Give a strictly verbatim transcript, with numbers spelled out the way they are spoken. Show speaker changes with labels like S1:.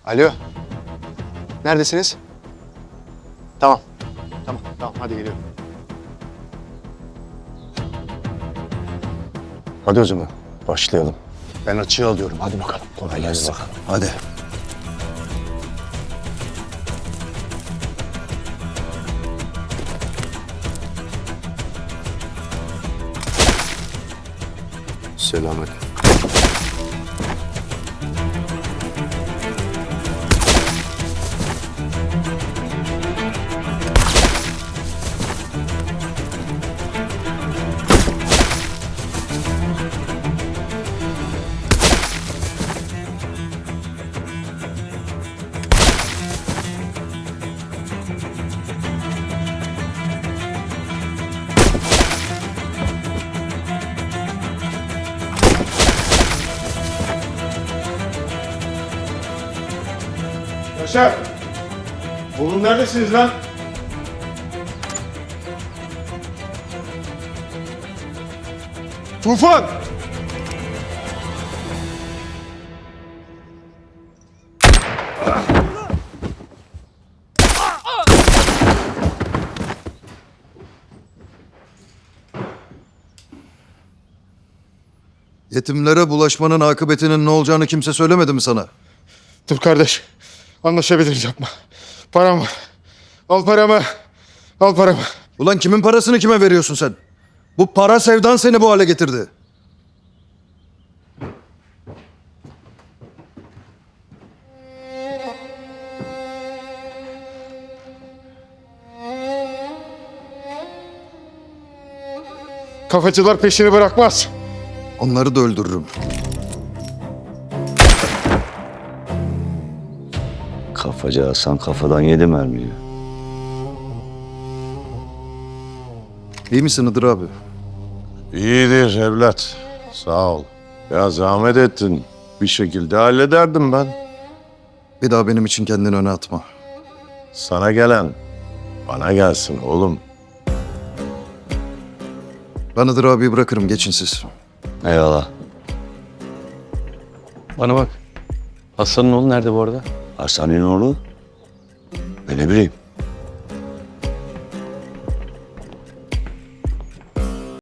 S1: Alo. Neredesiniz? Tamam. Tamam, tamam. Hadi geliyorum.
S2: Hadi o zaman başlayalım.
S1: Ben açığı alıyorum. Hadi bakalım.
S2: Kolay gelsin. Hadi.
S1: Selamet.
S3: Yaşar! Oğlum neredesiniz lan? Tufan!
S4: Yetimlere bulaşmanın akıbetinin ne olacağını kimse söylemedi mi sana?
S3: Dur kardeş. Anlaşabiliriz, yapma. Param var. Al paramı. Al paramı.
S4: Ulan kimin parasını kime veriyorsun sen? Bu para sevdan seni bu hale getirdi.
S3: Kafacılar peşini bırakmaz.
S4: Onları da öldürürüm.
S2: Kafacı Hasan kafadan yedi mermiyi.
S4: İyi misin Hıdır abi?
S5: İyidir evlat. Sağ ol. Ya zahmet ettin. Bir şekilde hallederdim ben.
S4: Bir daha benim için kendini öne atma.
S5: Sana gelen bana gelsin oğlum.
S4: Ben Hıdır abiyi bırakırım, geçin siz.
S2: Eyvallah.
S6: Bana bak. Hasan'ın oğlu nerede bu arada?
S2: Hasan'ın oğlu? Ben ne bileyim.